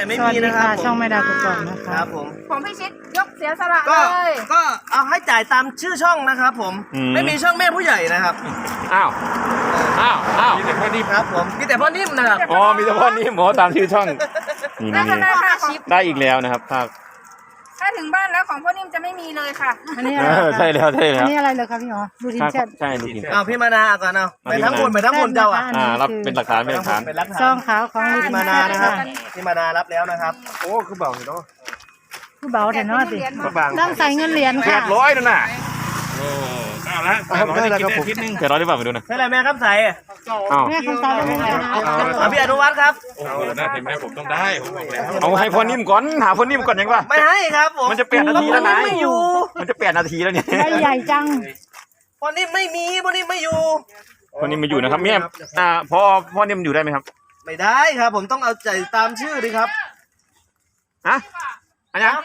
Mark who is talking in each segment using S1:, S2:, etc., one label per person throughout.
S1: ไม่มีนะครับ
S2: ช่องไม่ดาวก่อนนะค
S1: ค
S2: รั
S1: รั
S2: บบ
S1: ผม
S3: ของพี่ชิดยกเสียสละเล
S1: ก็เอาให้จ่ายตามชื่อช่องนะครับผมไม่มีช่องแม่ผู้ใหญ่นะครับ
S4: อ้าวมีแต่พ่อนิ่ม
S1: ครับผมมีแต่พ่อนิ่มนะครับ
S4: อ๋อมีแต่พ่อนิ่มหมอตามชื่อช่องนี่
S3: ได้
S4: นี่
S3: ค่ะชิป
S4: ได้อีกแล้วนะครับภาค
S3: ถ้าถึงบ้านแล้วของพ่อนิ่มจะไม่มีเลยค่ะ
S2: อันนี้อะไร
S4: ใช่แล้วใช่
S2: อั
S4: แล้
S2: น
S4: ว
S2: นี้อะไรเลยครับพี่หมอดูทินแชท
S4: ใช่ดูทิน
S1: เอาพี่มานาก่อนเอาไปทั้งคนไปทั้งคนเจ้าอ่ะ
S4: รับเป็นหลักฐานเป็นหลักฐาน
S1: เป็นหลักฐาน
S2: ซองขาวของดูทิ
S1: พี่
S2: น
S1: มา
S2: แช
S1: นา
S2: ท
S1: นะครับพี่มานารับแล้วนะครับโอ้คือเบาเนาะ
S2: ผู้เบาแต่น้อยสิ
S1: บาง
S2: ต้องใส่เงินเหรียญค่ะ
S4: 800นั่นน่ะ
S5: โอ้เอาละ800ได้กินได้อาทิตย์นึง
S4: 700ได้ป่ะไปดูนะ
S1: ใช่เลยแม่ครับใส่
S4: อ้าว
S2: แม่คำตอบเป็นไงคะ
S1: เอาพี่อนุวัฒน์ครับ
S5: โอ้โหน่าเห็นไหมผมต้องได้ผมบอกแล้ว
S4: เอาให้พ่อนิ่มก่อนหาพ่อนิ่มก่อนยังวะ
S1: ไม่ให้ครับผม
S4: มันจะ8 นาทีแล้วนะ
S1: ไม่อยู่
S4: มันจะ8 นาทีแล้วเนี่ย
S2: ใบใหญ่จัง
S1: พ่อนิ่มไม่มีพ่อนิ่มไม่อยู่
S4: พ่อนิ่มมาอยู่นะครับแม่พ่อนิ่มอยู่ได้ไหมครับ
S1: ไม่ได้ครับ ผมต้องเอาใจตามชื่อดิครับ
S4: ฮะอันยัง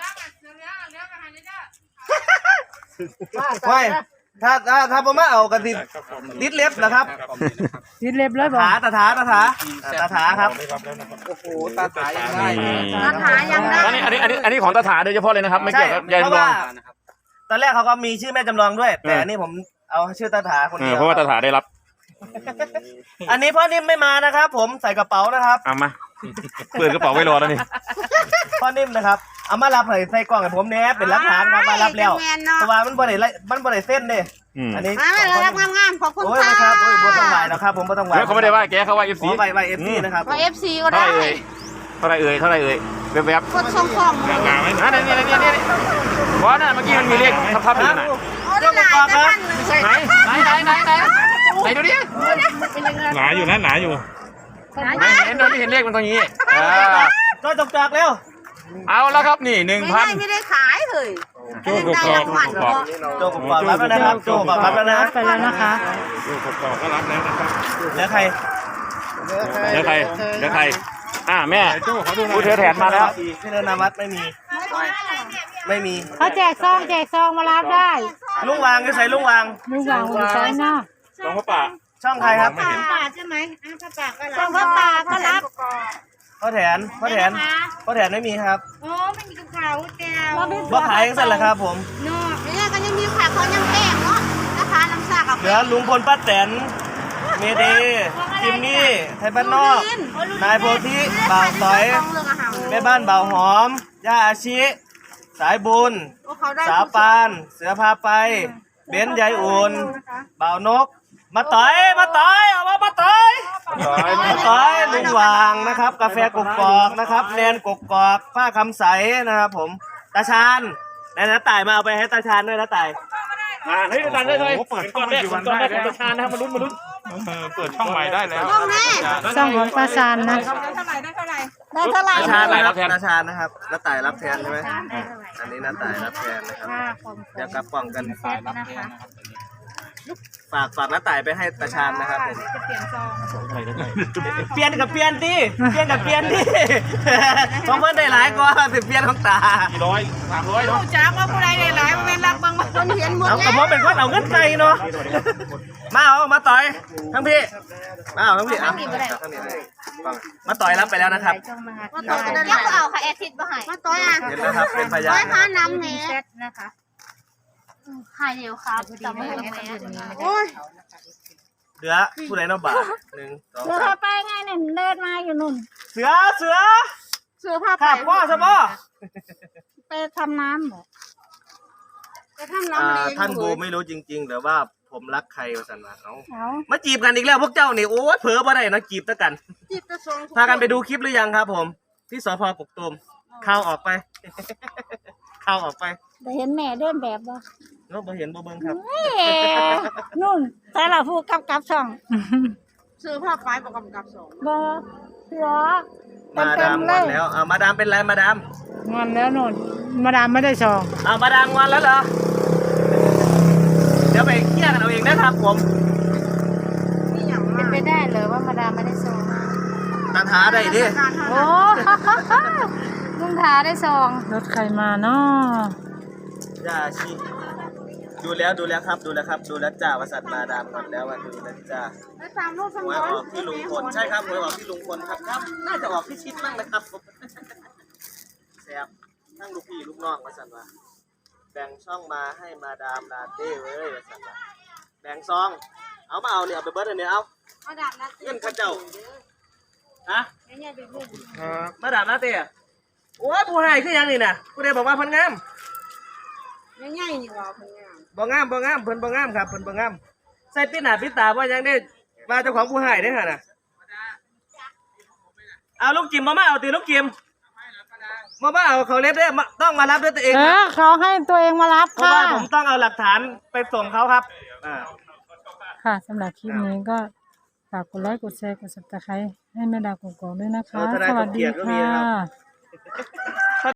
S1: ไม่ถ้าผมมาเอากระติดิดเล็บนะครับ
S2: ดิดเล็บเลยบอก
S1: ตาถาครับโอ้โหตาถายังได้
S3: ตาถายังได้
S4: อันนี้ของตาถาโดยเฉพาะเลยนะครับไม่เกี่ยวกับยาย
S1: เพราะ
S4: จำลอ
S1: ว่าง ตอนแรกเขาก็มีชื่อแม่จำลองด้วย แต่อันนี้ผมเอาชื่อตาถาคนเดียว
S4: เพราะว่าตาถาได้รับ
S1: อันนี้พ่อนิ่มไม่มานะครับ ผมใส่กระเป๋านะครับ
S4: เอามาเปิดกระเป๋าไว้รอแล้วนี่
S1: พ่อนิ่มนะครับเอามารับใส่กล่องให้ผมเนี่ยเป็นหลักฐานครับมารับแล้วเพราะว่ามันบ่ได้เส้นเด้อันนี้
S3: มาเลยรับงามๆขอบคุณ
S1: โอ้ย
S3: ค่ะ
S1: นะครับโอ้ยบ่ต้องไหวแล้วครับผมบ่ต้องไหว
S4: เขาไม่ได้ว่าแกเขาว่า FC
S1: ขอไป FC นะครับ
S3: ว่า FC ก็
S4: เท่า
S3: ได้
S4: ไหร่เอ่ยแวบ
S3: กดส่งของ
S5: งานไหม
S4: ๆนี่เพราะน่ะเมื่อกี้มันมีเลขทับอยู่น่ะ
S3: โอ้ได้หลายแต่ท่านหนึ่งใช่
S4: ไหนดูดิ
S5: หนาอยู่นะหนาอยู่
S4: เห็นเลขมันตรงนี้
S1: ก็จกจากเร็ว
S4: เอาแล้วครับนี่
S3: ไม่ได้ขายเลย
S5: โจ้กรอบ
S1: โจกกรอบรับแล้วนะครับโจกกรอบรับแล้วนะ
S2: ไปแล้วนะคะ
S5: โจ้กรอบก็รับแล้วนะครับ
S1: แล้วใคร
S4: 1,000เดี๋ยวใครแม่
S5: โจ้เขาดูหน่
S4: ผู้
S5: อย
S4: เธอแถนมาแล้ว
S1: พี่นาวัฒน์ไม่มี
S2: เขาแจกซองมารับได้
S1: ลุงวางก็ใส่ลุงวาง
S2: ลุงวางอยู่ซ้ายหน้า
S4: ลองพ่อป่า
S1: ช่องใครครับ
S3: ป่าใช่ไหมผ้าป่าก็รับ
S2: ซองผ้าป่าก็รับ
S1: พ่อแถนไม่มีครับ
S3: โอ้ไม่มีกระเป๋าแก้ว
S1: ว่าขายกันเสร็จแล้วครับผม
S3: เนาะเนี่ยก็ยังมีขายเขายังแพงเนาะนะคะน้ำซากกับ
S1: เหลือลุงพลป้าแตนเมเดจิมมี่ไทยบ้านนอกนายโพธิบ่าวสอยแม่บ้านบ่าวหอมย่าอาชิสายบุญสาวปานเสือพาไปเบนซ์ยายอุ่นบ่าวนกมาต่อยเอามาต่อยลุงวางนะครับ กาแฟกกอกนะครับแนนกกอกป้าคำใสนะครับผมตาชาญน้าต่ายมาเอาไปให้ตาชาญด้วยนะต่าย
S4: เฮ้ยตันเลยก่อนแรกของประธานนะครับมาลุ้น
S5: เปิดช่องใหม่ได้แล้ว
S2: ซองของตาชานนะ
S3: ได้เท่าไหร่
S1: ตาชาญนะครับตาชาญนะครับน้าต่ายรับแทนใช่ไหมอันนี้น้าต่ายรับแทนนะครับเดี๋ยวกลับกล่องกันฝากน้าต่ายไปให้ตาชาญนะครับผมเปลี่ยนกับเปลี่ยนดิของเพื่อนได้หลายกว่าสิเปลี่ยนของตา
S4: 300เนาะ
S3: จ้าว่าผู้ใดได้หลายเป็นรักบางคนเห็นหมด
S1: เอากระเพาะเป็นคนเอาเงินใจเนาะมาต่อยทั้งพี่ทั้งพี่มาต่อยรับไปแล้วนะครับ
S3: มาต่อยกันแล้วเอาค่ะแอทิดมาให้มาต่อยอ่ะ
S1: เห็นแล้วครับเป็นพยาน
S3: ต่อยพาน้ำแหน่นะคะ
S6: หายเร็วครับจับมือแม่
S3: โอ้ย
S1: เหลือผู้ใดเนาะบาท1 2
S6: เดี๋ยวถ้าไปไงเนี่ยเดินมาอยู่นุ่น
S1: เสือ
S3: เสื้อผ้า
S1: ขับพ่อสมอ
S6: ไปทำน้ำเหรอ
S3: ไปทำน้ำเลี้ยง
S1: ท่านบูไม่รู้จริงๆหรือว่าผมรักใครวะสันมาเอา
S6: เอา
S1: มาจีบกันอีกแล้วพวกเจ้านี่โอ้ยเผลอบ่ได้นะจีบตะกัน
S3: จิบกระทรวง
S1: พากันไปดูคลิปหรือยังครับผมที่สพกกตูมข่าวออกไป
S6: แต่เห็นแม่เดินแบบบ่
S1: เนาะบ่เห็นบ่เบิ่งครับ
S6: เฮ้นุ่นแต่ละผู้กับช่อง
S3: เสื้อผ้าป้ายประกอบกับสอง
S6: บ่เสือ
S1: มาดามงอนแล้วมาดามเป็นไรมาดาม
S2: งอนแล้วนุ่นมาดามไม่ได้ซอง
S1: มาดามงอนแล้วเหรอเดี๋ยวไปเคลียร์กันเอาเองนะครับผม
S3: นี่อย่าง
S6: เป็นไปได้เลยว่ามาดามไม่ได้ซอง
S1: ตาถาได้ดิ
S6: โอ้ ลุงทาได้ซอง
S2: รถใครมาเนาะ
S1: ย่าชีดูแล้วครับดูแล้วจ้าวสัตว์มาดามงอนแล้วดูแล้วจ้า
S3: ไปตามรูปส
S1: ห
S3: ม
S1: วย
S3: อ
S1: ออกที่ลุงพลใช่ครับหวยออกที่ลุงพลครับน่าจะออกที่ชิดบ้างนะครับบทั้งลูกพี่ลูกน้องว่าซั่นว่าแบ่งช่องมาให้มาดามลาเต้เว้ยว่าซั่นว่าแบ่งซองเอามาเอาเนี่ยเอาไปเบิดอันนี้เอา
S3: มาดามนะ
S1: เงินข้าเจ้าฮะ
S3: เนี่ยเป็นลูก
S1: มาดามลาเต้อะโอ้ยผู้ให้คือหยังนี่น่ะผู้ใดบอกว่าเพิ่นงาม
S3: ง่ายๆนี่ว่าเพิ่นงาม
S1: บ่งามบ่งามเพิ่นบ่งามครับเพิ่นบ่งามใส่ปิดหน้าปิดตาว่าหยังได้ว่าเจ้าของผู้ให้เด้อหั่นน่ะเอาลูกจิมมาเอาติลูกจิมมาเอาเขาเล็บเด้อต้องมารับด้วยตัวเองครับ
S2: เขาให้ตัวเองมารับ
S1: เพราะ
S2: ค่ะ
S1: ว่าผมต้องเอาหลักฐานไปส่งเขาครับ
S2: ค่ะสำหรับคลิปนี้ก็ฝากกดไลค์กดแชร์กด Subscribe ให้แม่ดาวกกอกด้วยนะคะ สวัสดีค่ะ